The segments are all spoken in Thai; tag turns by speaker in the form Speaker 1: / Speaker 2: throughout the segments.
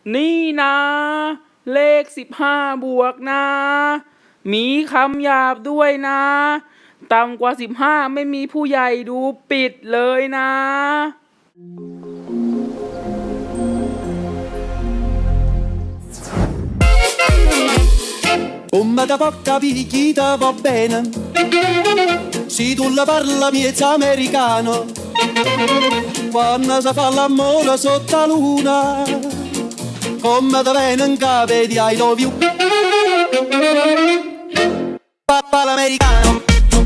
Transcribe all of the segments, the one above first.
Speaker 1: นี่นะเลข15 บวกนะมีคำหยาบด้วยนะต่ำกว่า15ไม่มีผู้ใหญ่ดูปิดเลยนะ
Speaker 2: Come da poca picchita va bene, se tu la parla miezza americano, quando si fa l'amore sotto la luna, come da venen cave di I love you, papà l'americano.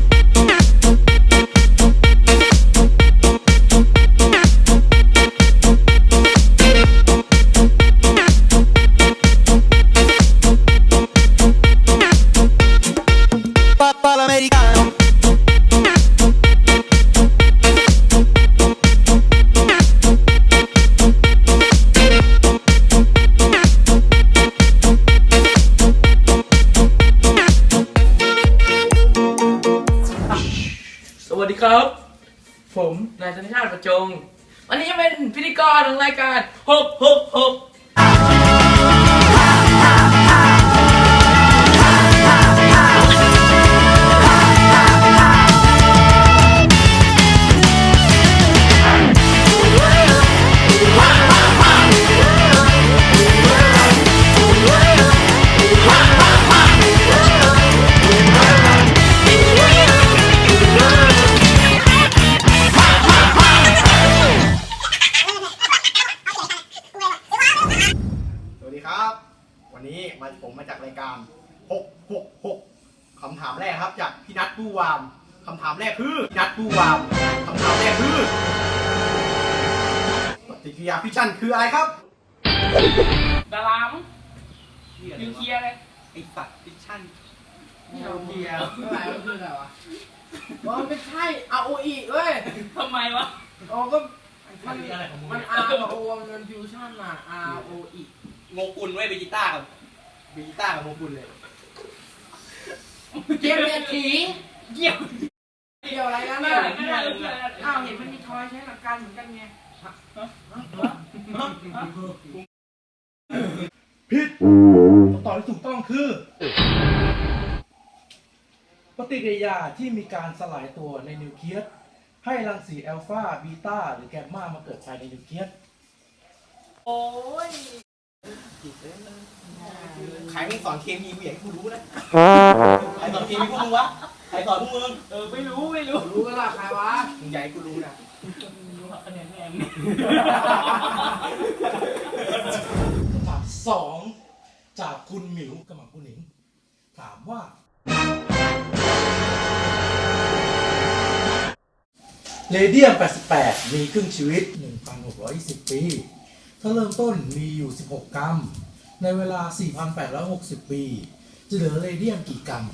Speaker 2: Papà l'americano.
Speaker 1: สวัสดีครับ ผมนายธนชาติประจง วันนี้จะเป็นพิธีกรของรายการฮกฮกฮก
Speaker 3: สวัสดีครับ วันนี้ผมมาจากรายการ666คำถามแรกครับจากพี่นัทตู้วามคำถามแรกคือนัทตู้วามคำถามแรกคือปฏิกิริยาฟิชชั่นคืออะไรครับ
Speaker 1: ดารามนิวเคลียร์เลย
Speaker 3: ไอสัตว์ฟิชชั่น
Speaker 4: นิวเคลียร์อะไรมันคืออะไรวะมันไม่ใช่ ROE เว้ย
Speaker 1: ทำไมวะ
Speaker 4: อ๋อก็มัน R กับ O มันฟิวชั่นอ่ะ ROE
Speaker 3: โงกุลไว้เบจิต้ากับโงกุลเลย
Speaker 4: เกมเศรษฐี
Speaker 1: เกี่ยว
Speaker 4: เกี่ยวอะไรกัน
Speaker 1: ไม่
Speaker 4: น่ะ
Speaker 1: ได้ไม่ได้เลย
Speaker 4: อ้าวเห็นมันมีทอยใช้หลักการเหมือนกันไง
Speaker 5: คำตอบที่ถูกต้องคือ ปฏิกิริยาที่มีการสลายตัวในนิวเคลียสให้รังสีอัลฟาบีตาหรือแกมมามาเกิดภายในนิวเคลียส
Speaker 1: โอ้ย
Speaker 3: ใครไม่สอนเคมีกูอยากให้กูรู้นะใครสอนเคมีพวกมึงวะใครสอนพวกมึง
Speaker 1: ไม่รู้
Speaker 4: รู้กันล่ะใครวะ
Speaker 3: มึงอยากให้กูรู้นะ
Speaker 1: คะแนนแม่
Speaker 5: คำถามสองจากคุณหมิวกับหม่ำคุณหนิง ถามว่า เรเดียม 88 มีครึ่งชีวิต 1,620 ปี ถ้าเริ่มต้นมีอยู่ 16 กรัม ในเวลา 4,860 ปี จะเหลือเรเดียมกี่กรัม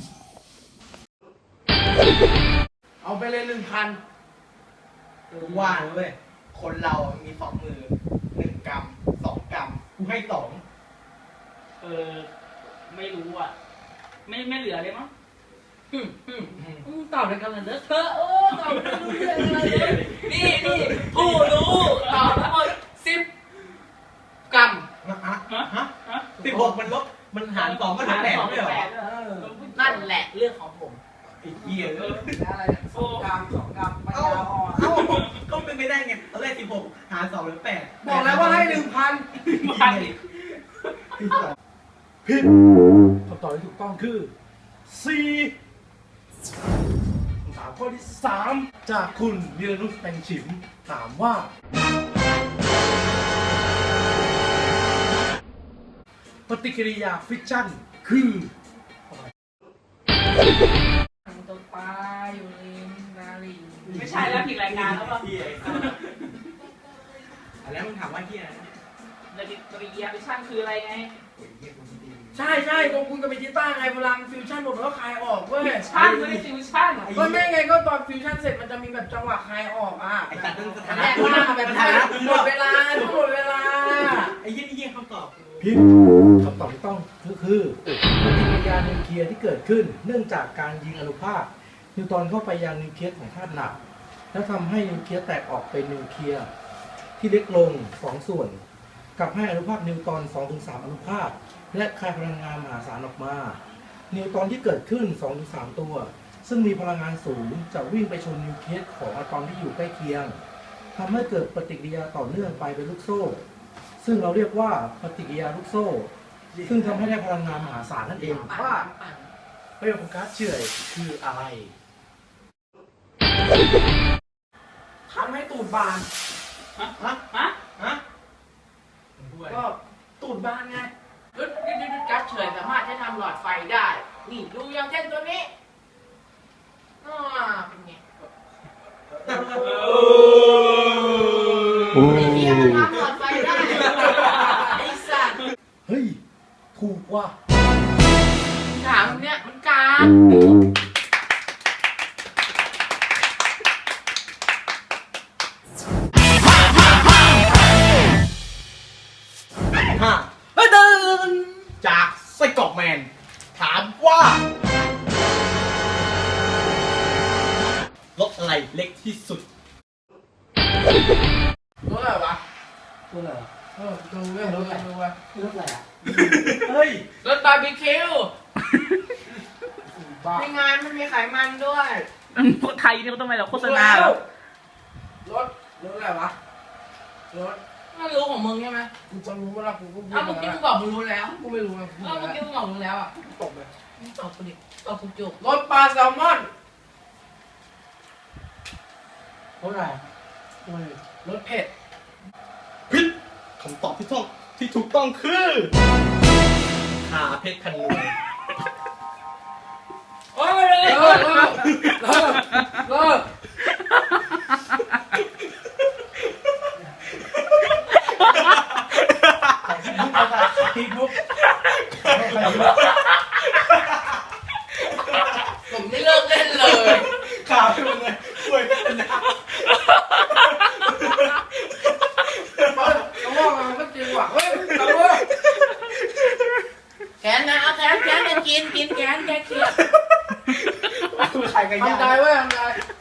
Speaker 4: เอาไปเลย 1,000
Speaker 3: ว่างเว้ยคนเรามี2 มือ1 กรัม 2 กรัมกูให้2
Speaker 1: ไม่รู้อ่ะไม่เหลือเลยมั้ง
Speaker 4: ตอบในกันเลยเนอะเธอตอบไม่รู้เรื่องอะไรเลย
Speaker 1: นี่ผู้รู้ตอบทั้งหมด10
Speaker 4: กรัม
Speaker 3: 16มันลบมันหาร2มันหาร8ไม่เหรอ
Speaker 4: นั่นแหละเรื่องของผม
Speaker 3: ไอ้เหี้ยเออ
Speaker 4: อะไรเนี่ย2 กรัม 2 กรัมปัญ
Speaker 3: เอ้า
Speaker 4: ญาอ่อน
Speaker 3: เอ้าก็เป็นไปได้ไงตอนแรก16หาร2เหลือ8
Speaker 4: บอกแล้วว่าให้ 1,000
Speaker 5: ผิดคำตอบที่ถูกต้องคือ C คำถามข้อที่ 3 จากคุณวีรนุชแตงฉิม ถามว่า ปฏิกิริยาฟิชชั่นคือ
Speaker 4: ตัวปลาอยู่ริมนาลี
Speaker 1: ไม่ใช่แล้วผิดรายการแล้วป่ะ
Speaker 3: เหี้ยแล้วมึงถามว่าเหี้ยอะไรนะ
Speaker 1: ปฏิกิริยาฟิชชั่นคืออะไรไง
Speaker 4: ใช่ตรงคุณกับเบจิต้าไงเวลาฟิวชั่นหมดแล้วคลายออกเว้ย
Speaker 1: ชั่นไม่ได้ฟิวชั่น
Speaker 4: ก็ไม่ไงก็ตอนฟิวชั่นเสร็จมันจะมีแบบจังหวะคลายออกอ่ะ
Speaker 3: ไอ้สัตว์นั่นสถา
Speaker 4: แร
Speaker 3: นะ
Speaker 4: กว่าแบบหมดเวลาหมดเวลา
Speaker 3: ไอ้เหี้ยนี่เหี้ยคำตอบ
Speaker 5: ผิดคำตอบที่ต้องคือปฏิกิริยานิวเคลียร์ที่เกิดขึ้น เนื่องจากการยิงอนุภาคนิวตรอนเข้าไปยังนิวเคลียสของธาตุหนัก แล้วทำให้นิวเคลียสแตกออกเป็นนิวเคลียสที่เล็กลง2 ส่วนกับให้อนุภาคนิวตอน 2-3 อนุภาคและคายพลังงานมหาศาลออกมา นิวตอนที่เกิดขึ้น 2-3 ตัว ซึ่งมีพลังงานสูงจะวิ่งไปชนนิวเคลียสของอะตอมที่อยู่ใกล้เคียงทำให้เกิดปฏิกิริยาต่อเนื่องไปเป็นลูกโซ่ ซึ่งเราเรียกว่าปฏิกิริยาลูกโซ่ ซึ่งทำให้ได้พลังงานมหาศาลนั่นเองว่าประโยชน์ของก๊าซเฉื่อยคืออะไร
Speaker 4: ทำให้ตูดบาน
Speaker 3: ฮะ
Speaker 4: ก็ตูดบานไงรถกัสเฉยสามารถใช้ทำหลอดไฟได้ นี่ดูอย่างเช่นตัวนี้เป็นไงไอ้เหี้ยมันทำหลอดไฟได้ไอ้สัตว์
Speaker 5: เฮ้ย ถูกว่ะ
Speaker 4: ถามเนี่ยมันกาด
Speaker 3: จากไส้กรอกแมน ถามว่ารถอะไรเล็กที่สุด
Speaker 4: รถอะไรวะ
Speaker 5: ตัวอะไร
Speaker 4: ดูเว้ยรถอะไรดูเว้ย
Speaker 5: รถอะไรอ่ะ เฮ้ย
Speaker 4: รถบาร์บีคิวในงานมันมีไขมันด้วย
Speaker 1: พวกไทยนี่เขาต้องไปเราโฆษณาเหรอ
Speaker 4: รถอะไรวะรถไม่รู้ของมึงใช่ไหมกูจะรู้ว่ากูพูด
Speaker 6: เอาเมื่อกี้มึงบอกมึงรู้แล้ว
Speaker 4: กูไม่รู้ไง
Speaker 6: เมื่อกี้มึงบอกมึงแล้วอ่ะ
Speaker 4: ตกเลย
Speaker 6: มึงตอบกูดิตอบกูจุก
Speaker 4: รถปลาแซลมอน
Speaker 5: รถอะไร
Speaker 4: รถเผ็ด
Speaker 3: พิษคำตอบที่ถูกต้องคือขาเพชรคันนู
Speaker 6: โอ้ยเลย
Speaker 4: เลิกผมไม่เลิกเล่นเลย
Speaker 3: ขาเพชรมันเลยช่วยกันนะ
Speaker 4: เขาว่ามันก็จริงว่ะเฮ้ยตำรวจ
Speaker 6: แขนนะเอาแขนจะกินแขนแกเกลียด
Speaker 3: ใครกันยา
Speaker 4: ทำใจไว้ทำใจ